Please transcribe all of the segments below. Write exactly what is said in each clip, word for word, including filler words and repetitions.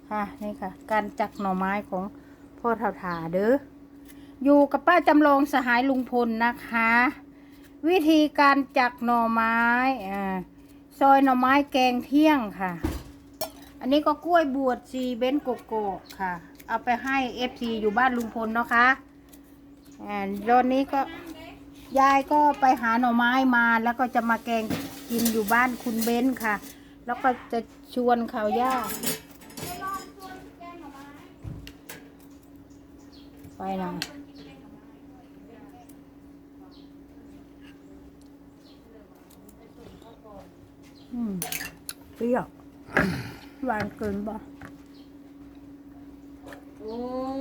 ค่ะนี่ค่ะ การจักหน่อไม้ของพ่อเฒ่าถาเด้ออยู่กับป้าจำลองสหายลุงพลนะคะ วิธีการจักหน่อไม้อ่าซอยหน่อไม้แกงเที่ยงค่ะ อันนี้ก็กล้วยบวชซีเบนโกโก้ค่ะ เอาไปให้เอฟซีอยู่บ้านลุงพลเนาะคะอ่าตอนนี้ก็ยายก็ไปหาหน่อไม้มาแล้วก็จะมาแกงกินอยู่บ้านคุณเบนค่ะ แล้วก็จะชวนเขาย่าไปนะอืมเปรี้ยวหวานเกินบ่โอ้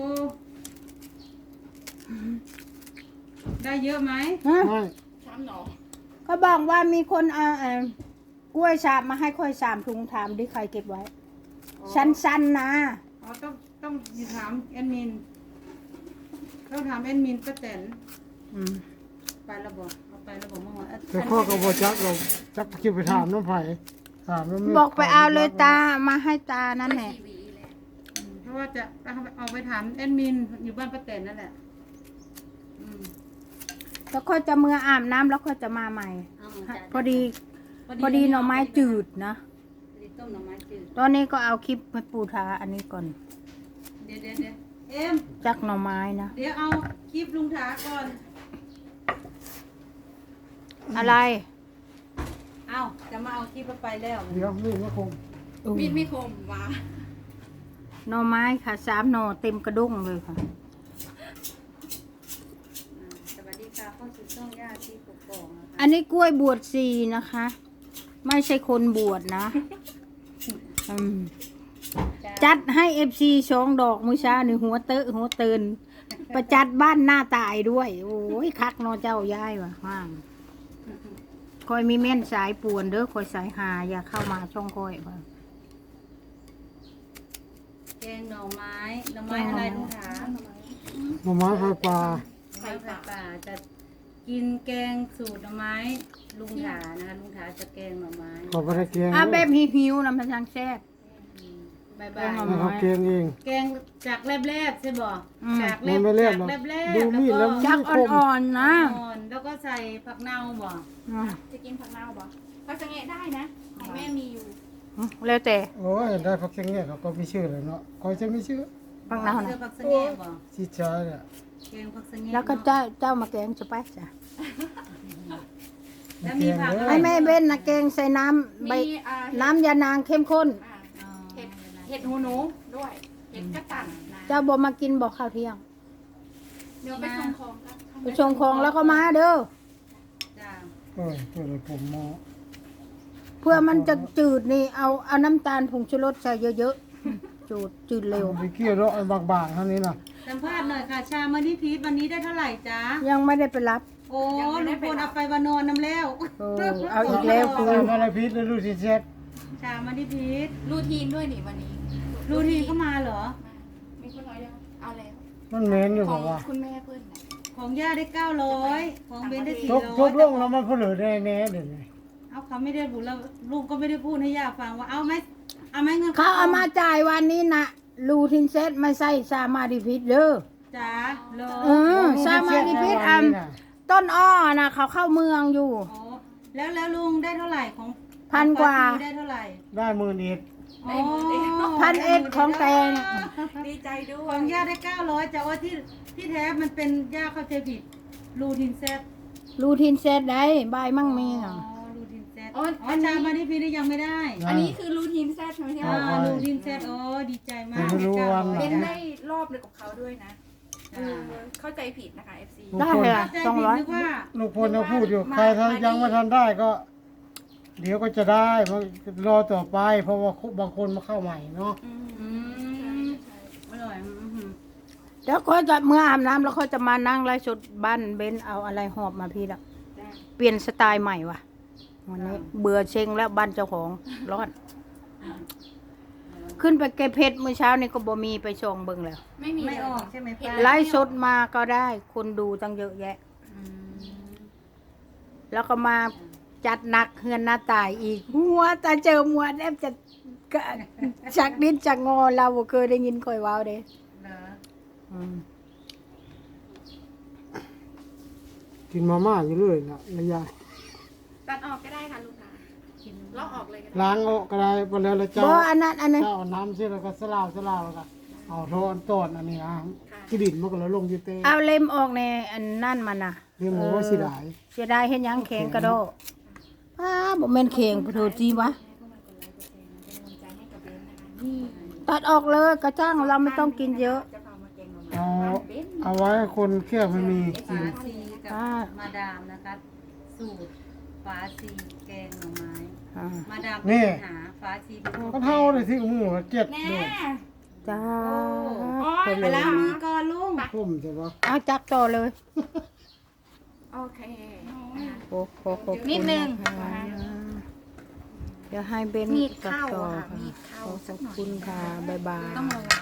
ได้เยอะไหมฮะไม่เขาบอกว่ามีคนเอาเอ่อกล้วยสาบมาให้ค่อยสามถุงถามดิใครเก็บไว้ สั้นๆนะอ๋อต้องต้องถามแอดมินต้องถามแอดมินป้าแตนอืมไปแล้วบอกเอาไปแล้วบอกเมื่อวานแต่ข้อกับบจักเราจักคิดไปถามน้องไผ่ถามน้องบอกไปเอาเลยตามาให้ตานั่นแหละเพราะว่าจะเอาไปถามแอดมินอยู่บ้านป้าแตนนั่นแหละอืมแล้วค่อยจะมืออาบน้ำแล้วค่อยจะมาใหม่เอาจ้ะพอดี พอดีหน่อไม้จืดนะพอดีต้มหน่อไม้จืดตอนนี้ก็เอาคลิปไปปูทาอันนี้ก่อนเดี๋ยวเดี๋ยวเดี๋ยวเอ็มจักหน่อไม้นะเดี๋ยวเอาคลิปลุงถาก่อนอะไรเอาจะมาเอาคลิปไปแล้วเดี๋ยวนี่ก็คงมีดไม่คมวะหน่อไม้ค่ะสามหน่อเต็มกระด้งเลยค่ะสวัสดีค่ะเข้าสู่ช่องย่าที่ปกครองนะคะอันนี้กล้วยบวชซีนะคะ ไม่ใช่คนบวชนะอืมจัดให้เอฟซีสองดอกมือเช้านี่หัวเตอะหัวเตือนประจัดบ้านหน้าตายด้วย โอ้ยคักเนอเจ้าย้ายว่ะว่างคอยมีเม่นสายป่วนเด้อคอยสายหาอย่าเข้ามาช่องคอยว่ะแกงหน่อไม้หน่อไม้อะไรลุงถาหน่อไม้ไฟปลาไข่ปลาป่าจะกินแกงสูตรหน่อไม้ลุงถานะคะลุงถาจะแกงหน่อไม้ขอไปได้เกียงอ่ะแบบหิวๆนำพลังแซ่บบายแกบางหน่อยไม้นะครับเกียงเองแกงจากแรบๆใช่บ่อืมจากแรมันบไม่แลบจากหรอกแรบๆดูมีดแล้วจักอ่อนๆนะอ่อนแล้วก็ใส่ผักเน่าบ่อืมจะกินผักเน่าปะผักสะแงะได้นะของแม่มีอยู่แล้วแต่โอ้ยได้พักเกียงเนี่ยเขาก็มีชื่อเลยเนาะคอยจะมีชื่อฟังเนาเสื้นะอผักสะแงะบ่ชิดช้าเนี่ยแกงผักสะแงะแล้วก็เจ้าเจ้ามาแกงจะไปจ้ะแล้วมีผักให้แม่เบ้นนะแกงใส่น้ำใบมีอ่าน้ำยานางเข้มข้นอ่าอ๋อเห็ดเห็ดหูหนูด้วย เห็ดกระตันนะเจ้าบอกมากินบอกข้าวเที่ยงเดี๋ยวไปส่งของครับไปชงของแล้วก็มาเด้อจ้าเออตัวเลยผมมอเพื่อมันจะจืดนี่เอาเอาน้ำตาลผงชูรสใส่เยอะๆจืดจืดเร็วไปเกี่ยวแล้วไอ้บางๆเท่านี้นะสัมภาษณ์หน่อยค่ะ ชามานิพีทวันนี้ได้เท่าไหร่จ๊ะยังไม่ได้ไปรับโอ้ลุงพลเอาไปวานอนน้ำแล้วโอ้เอาอีกแล้วกูใส่มาในพิษแล้วดูสิเช็ดชามานิพีทรูทีนด้วยนี่วันนี้รูทีนเข้ามาเหรอมีคนน้อยยังเอาแล้วมันเหม็นอยู่ขบออง กว่าคุณแม่เพื่อนนะของย่าได้เก้าร้อยของเบนได้สี่ทุบร้ทุอบ ยลงแล้วมันเผลอแน่แน่เดี๋ยวนี้เอาเขาไม่ได้พูดแล้วลูกก็ไม่ได้พูดให้ย่าฟังว่าเอาไหมเอาไหมเงินเขาเอามาจ่ายวันนี้นะลูทินเซตไม่ใส่ซามาดิพิษเด้อจ้าเหรอเออซามาดิพิษอันต้นอ้อนะเขาเข้าเมืองอยู่อ๋อแล้วแล้วลุงได้เท่าไหร่ของพันกว่าของปได้เท่าไหร่ได้หมื่นเอ็ดอ๋อพันเอ็ดของแกงดีใจด้วขยองย่าได้เก้าร้อยแต่ว่าที่ที่แท้มันเป็นย่าเข้าใจผิดรูทินเซตลูทินเซตได้บายมั่งมีอ่ะอ๋อรูทินเซตอ๋อชามานิพีทยังไม่ได้อันนี้คือรูทีนแซดใช่ไหมที่อ่าว่ารูทินเซตโอ้ดีใจมากไม่รู้วันไหนเป็นได้รอบเลยกับเขาด้วยนะเออเข้าใจผิดนะคะ เอฟ ซีได้เลยเข้าอ่ะใจสองผิดร้อยนึกว่าลูกพลยังพูดอยู่ใครถ้ายังไม่ทันได้ก็ เดี๋ยวก็จะได้เพราะรอต่อไป เพราะว่าบางคนมาเข้าใหม่เนาะอืมอืมอร่อยอื้อหือแล้วเขาจะเมื่ออาบน้ำแล้วเขาจะมานั่งไล่สดบ้านเบนเอาอะไรหอบมาพี่ละได้เปลี่ยนสไตล์ใหม่ว่ะวันนี้เบื่อเชงแล้วบ้านเจ้าของร้อน ขึ้นไปเก็บเพชรเมื่อเช้านี่ก็บ่มีไปชงเบิ่งแล้วไม่มีไม่ออกใช่ไหมป้าไล่สดมาก็ได้ คนดูตั้งเยอะแยะอืมแล้วก็มาจัดหนักเฮือนหน้าตายอีก หัวตาเจอมัวแทบจะกก็จากดินจากงอเราบ่เคยได้ยินข่อยเว้าเด้เหรออืมกินมาม่าอยู่เรื่อยนะระยะตัดออกก็ได้ค่ะลุงค่ะกินลอกออกเลยก็ได้ล้างออกก็ได้ไปแล้วแล้วเจ้าบ่อันนั้นอันนั้นเจ้าเอาน้ำเช่แล้วก็สลาวสลาวแล้วก็เอาโทนต้นอันนี้นะที่ดินมันก็แล้วลงอยู่เต้เอาเล็มออกในอันนั่นมันน่ะเรียกว่าสิได้เสียดายเฮ็ดหยังแข็งกระโดดอ้าบ่แม่นแข็งโทษจีวะ ตัดออกเลยกระจ้างเราไม่ต้องกินเยอะจะพามาแกงหน่อไม้เอาบ้านเบ้นเอาไว้ให้คนเคี่ยวไม่มีกิฝาน ซีกับอ่ามาดามนะคะสูตรฝาซีแกงหน่อไม้อ่ามาดามเป็นคนหาฝาซีเป็นคนก็เท่าเลยที่มือเจ็ดแน่ด้วยจ้าโอ้ยคนไปเลแล้ยวมีก่อนลุงพุ่มใช่ปะเอาจักต่อเลยโอเคโอ้ขอขอบคุณนิดนึงนะคะเดี๋ยวให้เบนมีดตัดเข้าต่ออะค่ะค่ะมีดเข้าขอขสัอก บหน่อยคุณค่ะบ๊ายบายต้องระวัง